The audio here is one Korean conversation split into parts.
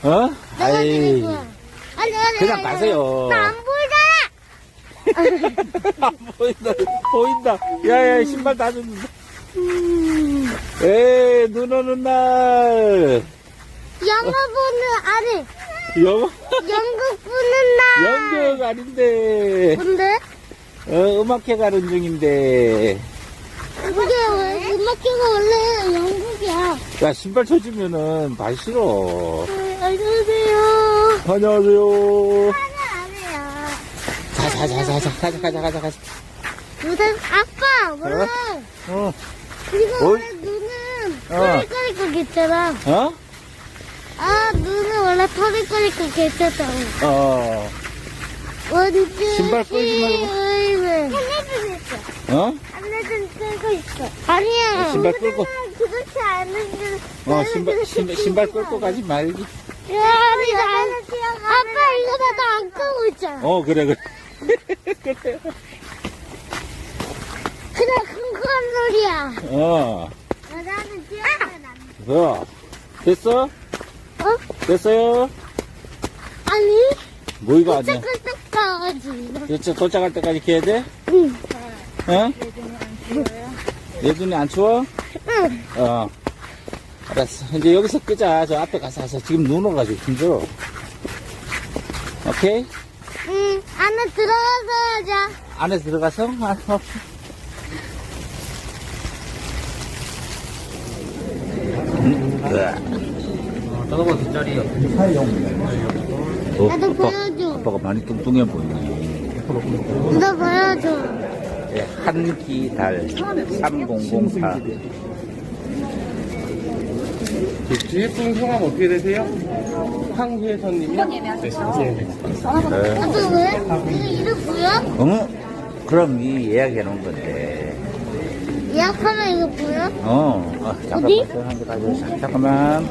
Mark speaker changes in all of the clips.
Speaker 1: 어?
Speaker 2: 내가
Speaker 1: 아이,
Speaker 2: 드릴 거야.
Speaker 1: 그냥 가세요.
Speaker 2: 나안 보이잖아.
Speaker 1: 안 보인다, 보인다. 야, 신발 다 줬는데. 에이, 눈 오는 날.
Speaker 2: 영어 보는 아니
Speaker 1: 영어?
Speaker 2: 연극 보는 날.
Speaker 1: 연극 아닌데.
Speaker 2: 뭔데?
Speaker 1: 음악회 가는 중인데.
Speaker 2: 그게 왜 음악회가 원래 연극이야.
Speaker 1: 야, 신발 쳐주면은 발 싫어.
Speaker 2: 안녕하세요.
Speaker 1: 안녕하세요.
Speaker 2: 하나 안 해요.
Speaker 1: 가자.
Speaker 2: 무슨 아빠 원래
Speaker 1: 어,
Speaker 2: 그리고
Speaker 1: 어이?
Speaker 2: 원래 눈은
Speaker 1: 어.
Speaker 2: 털이 거리고 있잖아.
Speaker 1: 어?
Speaker 2: 아 눈은 원래 털이 거리고 있었다고.
Speaker 1: 어.
Speaker 2: 원주
Speaker 1: 신발 끌지 말고.
Speaker 2: 하늘도 있어.
Speaker 1: 어?
Speaker 2: 하늘도 끌고 있어. 아니야.
Speaker 1: 신발 끌고.
Speaker 2: 그렇지 않은데.
Speaker 1: 신발 끌고 가지 말기.
Speaker 2: 야, 아빠 이거 나 안 끄고 있잖아.
Speaker 1: 그래.
Speaker 2: 그래 큰 소리야. 나는 뛰어나면 안 돼.
Speaker 1: 됐어?
Speaker 2: 어?
Speaker 1: 됐어요?
Speaker 2: 아니.
Speaker 1: 뭐 이거 아니야?
Speaker 2: 끄떡끄떡 가가지.
Speaker 1: 진짜 도착할 때까지 기야 돼?
Speaker 2: 응.
Speaker 1: 어? 내 눈이 안 추워?
Speaker 2: 응.
Speaker 1: 알았어. 이제 여기서 끄자. 저 앞에 가서 하자. 지금 눈 오가지고 힘들어. 오케이?
Speaker 2: 응. 안에 들어가서 하자.
Speaker 1: 안에 들어가서?
Speaker 3: 저거 뒷자리요.
Speaker 2: 나도 보여줘.
Speaker 1: 아빠가 많이 뚱뚱해 보이네.
Speaker 2: 나 보여줘.
Speaker 1: 네, 한기달 3004.
Speaker 3: 주인분 성함 어떻게 되세요? 황혜선님이요? 네.
Speaker 2: 나도 왜? 이거 이름 보여?
Speaker 1: 그럼 이 예약해 놓은 건데.
Speaker 2: 예약하면 이거 보여?
Speaker 1: 잠깐만.
Speaker 2: 어디?
Speaker 1: 한개 가져. 잠깐만.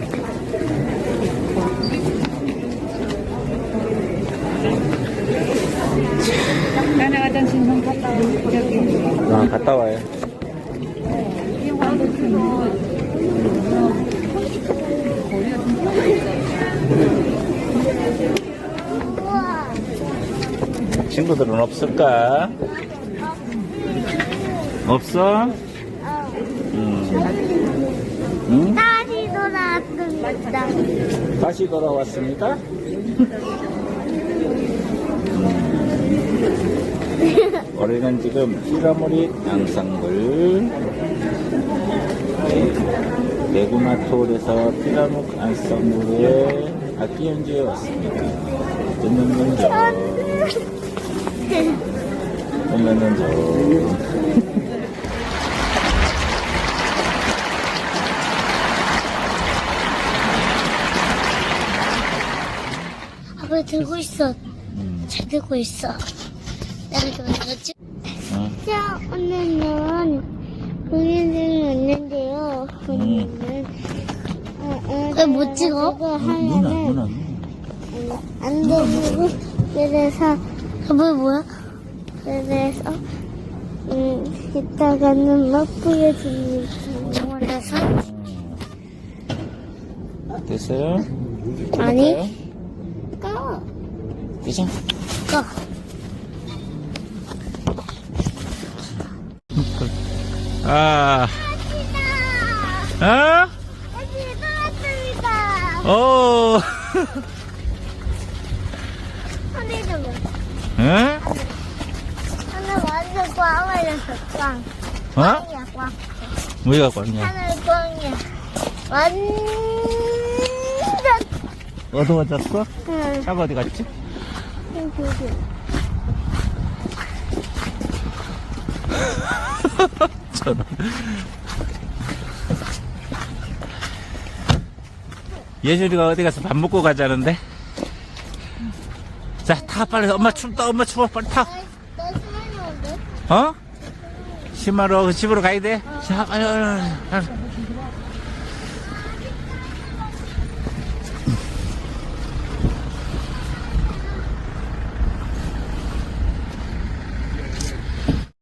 Speaker 4: 나는 화장실 좀 갔다 오고 저기
Speaker 1: 갔다 와요.
Speaker 2: 우와.
Speaker 1: 친구들은 없을까? 없어? 응?
Speaker 2: 다시 돌아왔습니다.
Speaker 1: 다시 돌아왔습니다. 우리는 지금 피라모리 양상굴 대구마톨에서 피라모리 양상굴에 악기연주에 왔습니다. 듣는 분죠. 보면은 저
Speaker 2: 아빠 들고 있어. 잘 들고 있어. 내가 들어가지. 자, 오늘은 공연장이 왔는데요. 오늘은 왜못 찍어?
Speaker 1: 누나
Speaker 2: 안 되고 그래서 저거 뭐야? 그래서 이따가는 막 보여줍니다. 원해서
Speaker 1: 됐어요?
Speaker 2: 아니. 꺼.
Speaker 1: 그죠?
Speaker 2: 꺼.
Speaker 1: 어?
Speaker 2: 여기 나왔습니다. 하늘 좀 봐.
Speaker 1: 응?
Speaker 2: 하늘 완전 꽝 말렸어. 꽝.
Speaker 1: 어?
Speaker 2: 꽝이야 꽝.
Speaker 1: 뭐가 꽝이야?
Speaker 2: 하늘 꽝이야. 완전.
Speaker 1: 어두워졌어?
Speaker 2: 응.
Speaker 1: 차가 어디 갔지? 저런. 예준이가 어디 가서 밥 먹고 가자는데? 자, 타, 빨리. 엄마 춥다, 엄마 추워. 빨리 타.
Speaker 2: 나 시간이 온대.
Speaker 1: 어? 심하러 집으로 가야 돼? 자, 빨리.